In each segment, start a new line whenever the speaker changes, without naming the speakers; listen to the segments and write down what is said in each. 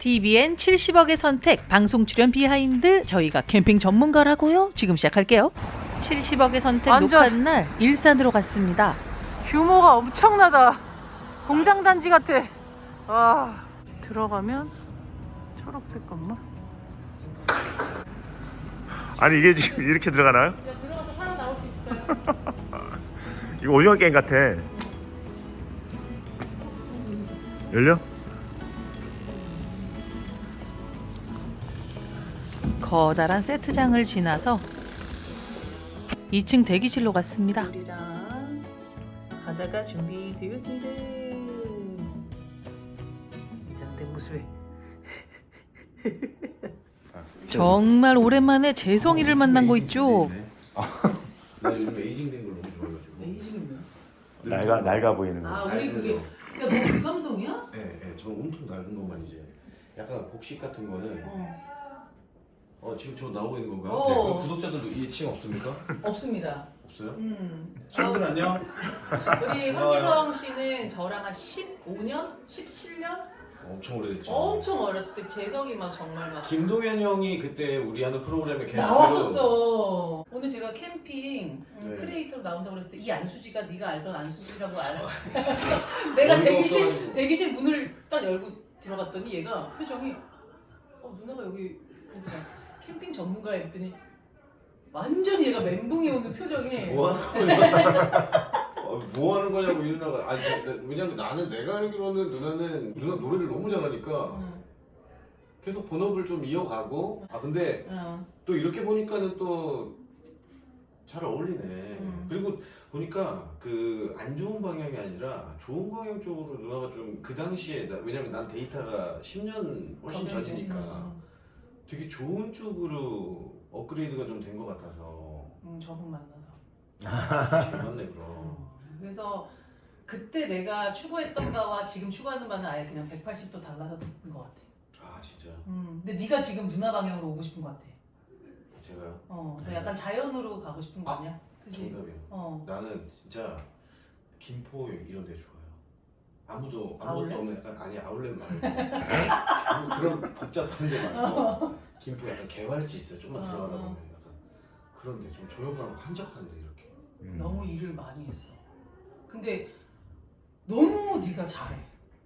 TVN 70억의 선택 방송 출연 비하인드. 저희가 캠핑 전문가라고요? 지금 시작할게요. 70억의 선택
완전-
녹화 날 일산으로 갔습니다.
규모가 엄청나다. 공장 단지 같아. 와, 들어가면 초록색 건물.
아니 이게 지금 이렇게 들어가나요?
야, 들어가서 살아나올 수 있을까요?
이거 오징어 게임 같아. 열려?
커다란 세트장을 지나서 2층 대기실로 갔습니다.
우리랑 과자가 준비되었습니다. 자, 내 모습에.
정말 오랜만에 재성이를 만난 거 있죠?
나 요즘 에이징 된 걸 너무 좋아해가지고.
에이징은
낡아 보이는 거.
아, 우리 그게. 야, 너 그 감성이야?
네, 네, 저는 온통 낡은 것만 이제. 약간 복식 같은 거는. 지금 저 나오고 있는 건가요?
어.
네, 구독자들도 이 층 없습니까?
없습니다.
없어요?
친구들
안녕.
우리 황지성 씨는 저랑 한 15년? 17년?
엄청 오래됐죠.
엄청 어렸을 때 재성이 막 정말 막
김동현 형이 그때 우리 하는 프로그램에 게스트로
나왔었어. 오늘 제가 캠핑
네.
크리에이터로 나온다고 그랬을 때 이 안수지가 네가 알던 안수지라고 알아. 내가
어이가 없어가지고.
대기실 문을 딱 열고 들어갔더니 얘가 표정이 누나가 여기 그래서 나 캠핑 전문가야 했더니 완전히 얘가 멘붕이 오는 표정이
뭐 하는 거냐? 뭐 하는 거냐고 이 누나가. 아니, 왜냐면 나는 내가 알기로는 누나 노래를 너무 잘하니까 계속 본업을 좀 이어가고. 근데 또 이렇게 보니까는 또 잘 어울리네. 그리고 보니까 그 안 좋은 방향이 아니라 좋은 방향 쪽으로 누나가 좀 그 당시에 왜냐면 난 데이터가 10년 훨씬 전이니까 되게 좋은 쪽으로 업그레이드가 좀 된 것 같아서.
저분 만나서
잘 맞네 그럼.
그래서 그때 내가 추구했던 바와 지금 추구하는 바는 아예 그냥 180도 달라졌던 것 같아.
아 진짜.
근데 네가 지금 누나 방향으로 오고 싶은 것 같아.
제가요?
너 약간 자연으로 가고 싶은 거 아니야? 그치?
정답이야. 나는 진짜 김포 이런 데 좋아요. 아무것도
아울렛?
없는 약간 아니 아울렛 말고 그런 복잡한 데 말고 김포 약간 개활지 있어요. 좀만 들어가다 보면 약간 그런 데 좀 조용하고 한적한 데 이렇게.
너무 일을 많이 했어. 근데 너무 네가 잘해.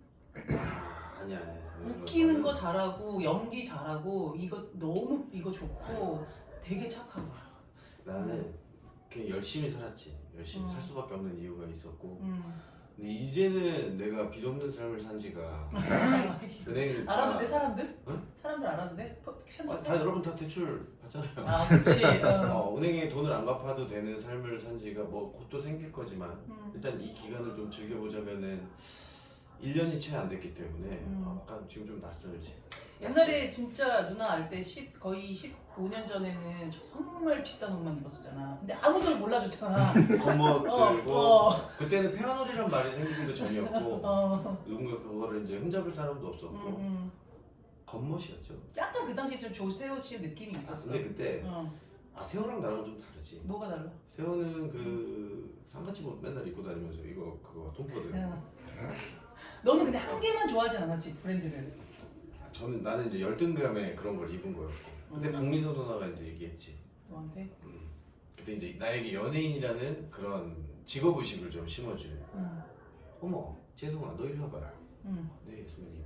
아니야.
웃기는 거 잘하고 연기 잘하고 이거 좋고 되게 착한 거야.
나는 그냥 열심히 살았지. 열심히 살 수밖에 없는 이유가 있었고.
음.
근데 이제는 내가 빚 없는 삶을 산 지가 은행
알아도 돼 사람들?
응?
사람들 알아도 돼?
다 여러분 다 대출 받잖아요.
아 그렇지.
은행에 돈을 안 갚아도 되는 삶을 산 지가 뭐 곧또 생길 거지만
음.
일단 이 기간을 좀 즐겨보자면은 1년이 채 안 됐기 때문에 약간 지금 좀 낯설지.
옛날에 진짜 누나 알 때 거의 15년 전에는 정말 비싼 옷만 입었었잖아. 근데 아무도 몰라줬잖아.
겉멋 들고
어.
그때는 페어널이란 말이 생기기도 전이었고 누군가 그거를 이제 흠잡을 사람도 없었고 겉멋이었죠.
약간 그 당시에 좀 조세호 씨 느낌이 있었어.
근데 그때
어.
세호랑 나랑 좀 다르지.
뭐가 달라?
세호는 그 상가집 옷 맨날 입고 다니면서 그거 톰포드.
너는 근데 한 개만 좋아하지 않았지 브랜드를.
나는 이제 열등감에 그런 걸 입은 거였고. 근데 박미서 누나가 이제 얘기했지.
너한테?
그때 이제 나에게 연예인이라는 그런 직업의식을 좀 심어준. 어머, 재성아, 너 이리 와봐라. 네, 선배님.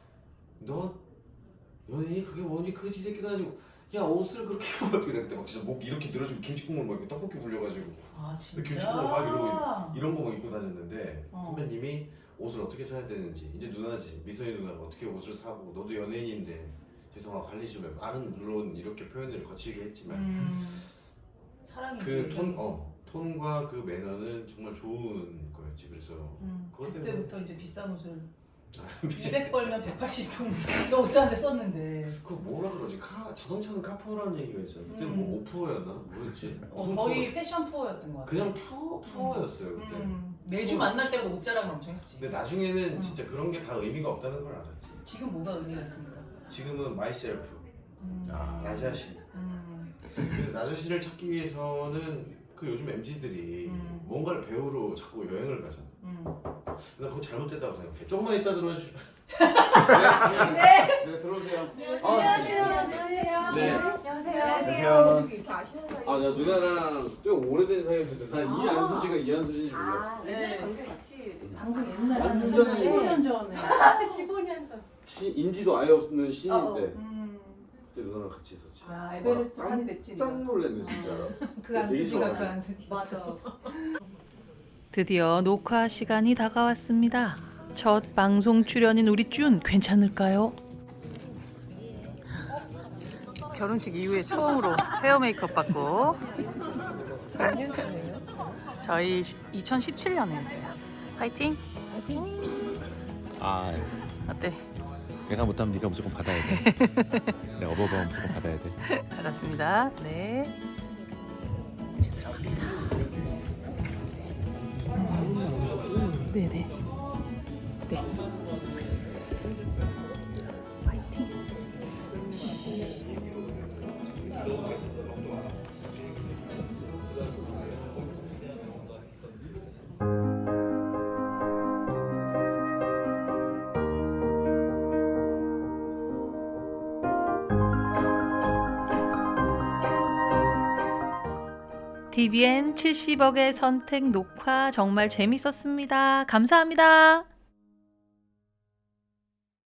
너 연예인이 그게 뭐니? 그지 새끼도 아니고. 야, 옷을 그렇게 입으면 어떻게 돼? 그때 막 진짜 목 이렇게 늘어지고 김치국물 막 이렇게 떡볶이 불려가지고.
아 진짜?
김치국물 막 이런 거 막 입고 다녔는데 선배님이 옷을 어떻게 사야 되는지 이제 누나지 미소희 누나가 어떻게 옷을 사고 너도 연예인인데 재성아 관리 좀 해. 말은 물론 이렇게 표현을 거칠게 했지만
사랑이지.
그 톤과 그 매너는 정말 좋은 거였지. 그래서 그것 때문에
그때부터 이제 비싼 옷을 200 벌면 180돈 너 옷 사는데 썼는데.
그 뭐라 그러지? 자동차는 카푸어라는 얘기가 있어요. 그때 뭐 오프어였나? 뭐였지?
거의 패션 푸어였던 것 같아.
그냥 푸어였어요 그때.
매주 만날 때마다 옷 자랑을 엄청 했지.
근데 나중에는 진짜 그런 게 다 의미가 없다는 걸 알았지.
지금 뭐가 의미가 있습니까?
지금은 마이셀프, 나 자신. 근데 나 자신을 찾기 위해서는 그 요즘 MZ들이 뭔가를 배우러 자꾸 여행을 가잖아. 나 그거 잘못됐다고 생각해. 조금만 이따 들어와주. 내가
아시는 사이.
아, 나 누나랑 꽤 오래된 사이였는데 난 이한수 씨가 이한수 씨인지 몰랐어.
아, 옛날 관계 같이
방송 옛날에
완전
15년 전에
15년 전.
인지도 아예 없는 신인데
음.
그때 누나랑 같이 있었지.
야 에베레스트
와,
산이 됐지.
깜짝 놀랐네 진짜.
그 안수지가 그
좋아하지.
안수지. 맞아.
드디어 녹화 시간이 다가왔습니다. 첫 방송 출연인 우리 준 괜찮을까요? 결혼식 이후에 처음으로 헤어 메이크업 받고. 몇 년 전이에요? 저희 2017년에 했어요. 파이팅!
아,
어때?
내가 못하면 네가 무조건 받아야 돼. 내가 어버버 무조건 받아야 돼.
알았습니다. 네. 이제 들어갑니다. 네네. 네. 파이팅. TVN 70억의 선택 녹화 정말 재밌었습니다. 감사합니다.